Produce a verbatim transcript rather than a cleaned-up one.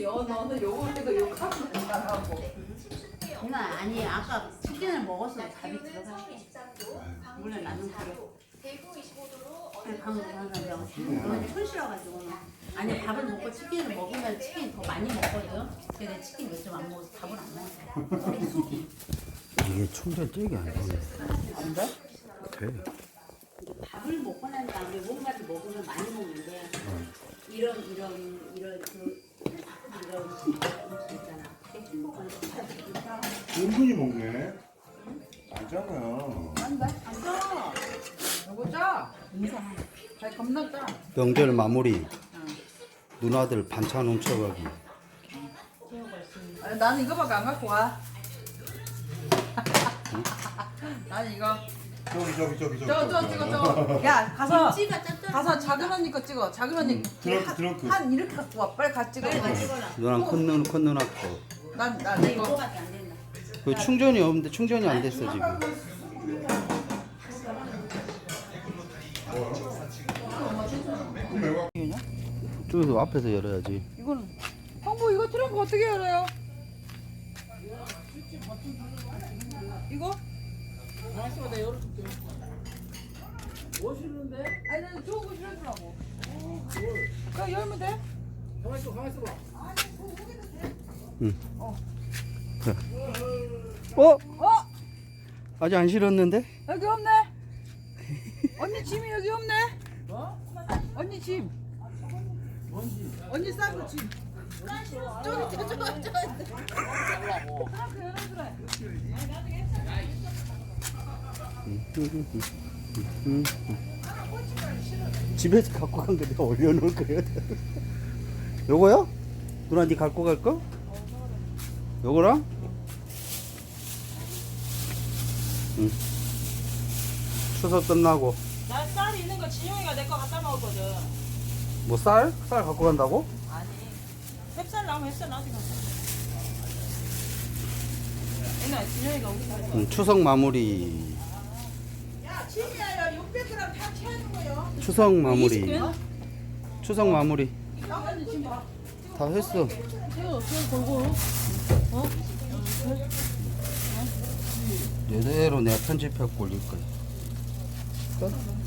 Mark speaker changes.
Speaker 1: 여 너는 요거도 욕하고 나가고.
Speaker 2: 누나 아니 아까 치킨을 먹었어 답이 들어가게. 원래 나는 그래. 그냥 방금 방금 너는 촌실어가지고 아니 밥을 먹고 치킨을 먹으면 치킨 더 많이 먹거든. 근데 내 치킨 몇 점 안 먹어서 밥을 안 먹었어.
Speaker 3: 이게 충전 찌개 안 되네.
Speaker 1: 안 돼?
Speaker 3: 돼.
Speaker 2: 밥을 먹고 난 다음에 뭔가를 먹으면 많이 먹는데 이런 이런 이런 그 이런 음식 있잖아. 그게 행복한 거.
Speaker 4: 은근히 먹네. 알잖아요.
Speaker 1: 안 돼? 안 짜. 요거 짜.
Speaker 2: 인사.
Speaker 1: 잘 겁나 짜.
Speaker 3: 명절 마무리. 누나들 반찬 훔쳐가기.
Speaker 1: 아니, 나는 이거밖에 안 갖고 가. 나는 이거.
Speaker 4: 저기 저기 저기 저기.
Speaker 1: 저 저 찍어 저. 야 가서
Speaker 2: 김치가 짭짤.
Speaker 1: 가서 작은 언니 거 찍어. 작은 언니
Speaker 4: 트렁크 트렁크.
Speaker 1: 한 이렇게 갖고 와. 빨리 같이 찍어.
Speaker 2: 빨리 같이 찍어라.
Speaker 3: 누나 큰 누나 큰 누나 거.
Speaker 1: 난난
Speaker 2: 내
Speaker 1: 이거.
Speaker 2: 이거밖에 안 된다.
Speaker 3: 그 충전이 없는데 충전이 안 됐어 지금. 저기서 앞에서 열어야지.
Speaker 1: 이거는 형부 이거 트렁크 어떻게 열어요? 이거? 알았어, 내가 열어줄게. 멋있는데? 아니, 나는 좋은 거 실어주라고. 그냥 열면 돼? 가만히 있어, 가만히 있어봐.
Speaker 3: 응.
Speaker 1: 어.
Speaker 3: 어?
Speaker 1: 어?
Speaker 3: 아직 안 실었는데?
Speaker 1: 여기 없네? 언니 짐이 여기 없네? 어? 언니 짐. 뭔지? 언니 싼거 짐. 저기, 저, 저, 저, 저. 트렁크 열어주래.
Speaker 3: 집에서 갖고 간 거 내가 올려놓을 거야. 요거요? 누나 니 갖고 갈 거? 요거랑? 응. 추석 끝나고
Speaker 1: 나 쌀 있는 거 진영이가 내 거 갖다 먹었거든.
Speaker 3: 뭐 쌀? 쌀 갖고 간다고?
Speaker 1: 아니. 햅쌀 나오면 햅쌀 나한테 갖다 줘. 옛날 진영이가 우리 살
Speaker 3: 응, 추석 마무리.
Speaker 1: 야, 진이야, 육백 그램 다 채우는 거요.
Speaker 3: 추석 마무리.
Speaker 1: 이십 근?
Speaker 3: 추석 마무리.
Speaker 1: 나머지 지금 봐.
Speaker 3: 다 했어.
Speaker 1: 채워, 채워, 골고루. 어?
Speaker 3: 이대로 내가 편집해 올릴 거야. 끝.